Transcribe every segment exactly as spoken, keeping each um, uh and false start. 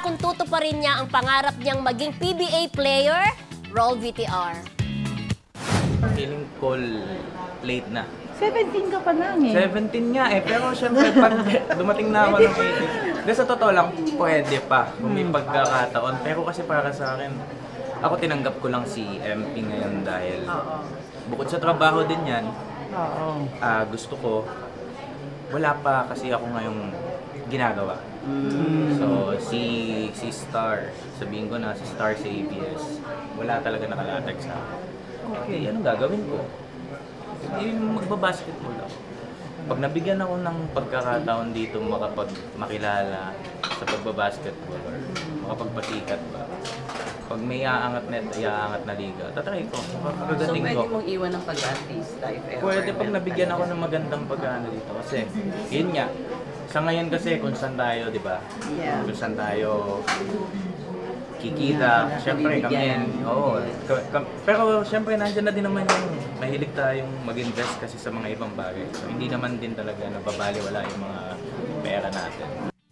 kung tutuparin niya ang pangarap niyang maging P B A player? Roll V T R. Feeling ko late na. seventeen ka pa lang eh. seventeen nga eh, pero syempre pag dumating na ako ng eighteen, di sa totoo lang, pwede pa kung may pagkakataon. Pero kasi para sa akin, ako tinanggap ko lang si M P ngayon dahil bukod sa trabaho din yan, Oo. ah, gusto ko, wala pa kasi ako ngayong ginagawa. So, si si Star, sabihin ko na si Star sa A B S, wala talaga nakalatag sa akin. Okay, anong gagawin ko? Yung magbabasketball ako. Pag nabigyan ako ng pagkakataon dito makapag makilala sa pagbabasketball or makapagpasikat ba, pag may aangat na, iaangat na liga, tatry ko. So Pagdating pwede ko. mong iwan ng pag-artista if ever. Pwede pag nabigyan ako ng magandang pagkano dito. Kasi, yun nga, sa ngayon kasi kung saan tayo, di ba? Yeah. Kung saan tayo kikita. Yeah, Siyempre kami, nabibigyan. oo. Ka- ka- pero siyempre nandiyan na din naman yung mahilig tayong mag-invest kasi sa mga ibang bagay. So, hindi naman din talaga nababaliwala yung mga pera natin.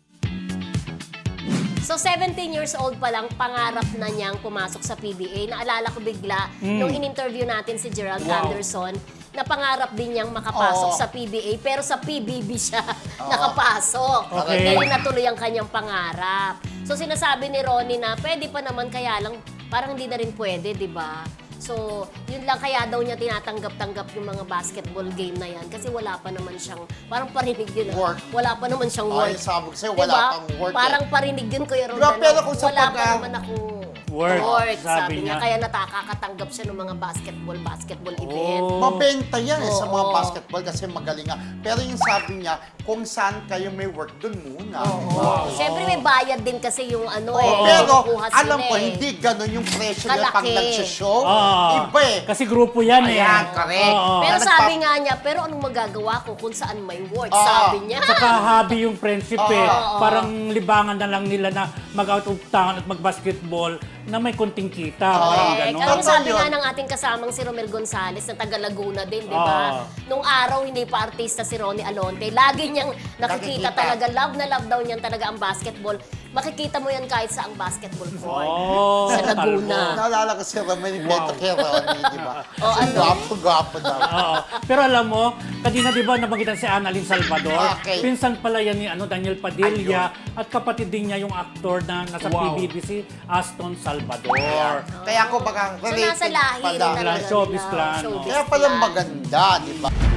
So, seventeen years old pa lang, pangarap na niyang pumasok sa P B A. Naalala ko bigla, nung in-interview natin si Gerald Anderson, na pangarap din niyang makapasok Oo. sa P B A, pero sa P B B siya nakapasok. Okay. Dahil natuloy ang kanyang pangarap. So, sinasabi ni Ronnie na pwede pa naman, kaya lang parang hindi na rin pwede, di ba? So, yun lang kaya daw niya tinatanggap-tanggap yung mga basketball game na yan kasi wala pa naman siyang, parang parinig yun. ah. Work. Wala pa naman siyang Ay, work. sabi ko sa'yo, Diba? wala pang work eh. Parang parinig yun, Kuya Diba, Roldan. pero kung sa wala pag- pa naman akong Work, work, sabi sabi niya. niya. Kaya natakakatanggap siya ng mga basketball, basketball event. Oh. Mabenta yan eh, sa mga Oo. basketball kasi magaling nga. Pero yung sabi niya, kung saan kayo may work, dun muna. Oo. Siyempre may bayad din kasi yung ano Oo. eh. Pero kinukuha sila alam ko, eh. hindi ganun yung presyo nila pag Kalaki. nagsishow. Oo. Iba eh. Kasi grupo yan eh. Ayan, correct. Oo. Pero Na sabi nagpa- nga niya, pero anong magagawa ko kung saan may work? Oo. Sabi niya. Saka hobby yung friendship eh. Oo. Parang libangan na lang nila na mag-out of town at mag-basketball na may konting kita. Parang Correct. gano'n. Alam mo, Totoo sabi yun. nga ng ating kasamang si Romel Gonzales na taga Laguna din, di ba? Oo. Nung araw, hindi pa artista si Ronnie Alonte. Lagi niyang nakikita Nakikita. talaga, love na love daw niyan talaga ang basketball. Makikita mo yan kahit sa ang basketball court. Oh, Sa Laguna. Naalala ko si Ramon yung Beto kay Ronnie, di ba? Oh, ano? Gwapo-gwapo daw. Oo. Pero alam mo, kanina di ba nabagitan si Annalyn Salvador? Okay. Pinsan pala yan ni ano, Daniel Padilla at kapatid din niya yung aktor na nasa Wow. P B B si Aston Salvador. Kaya ako baka So, nasa related lahi rin pala. talaga Showbiz nila. clan, no? Showbiz Kaya pala clan. maganda, di ba?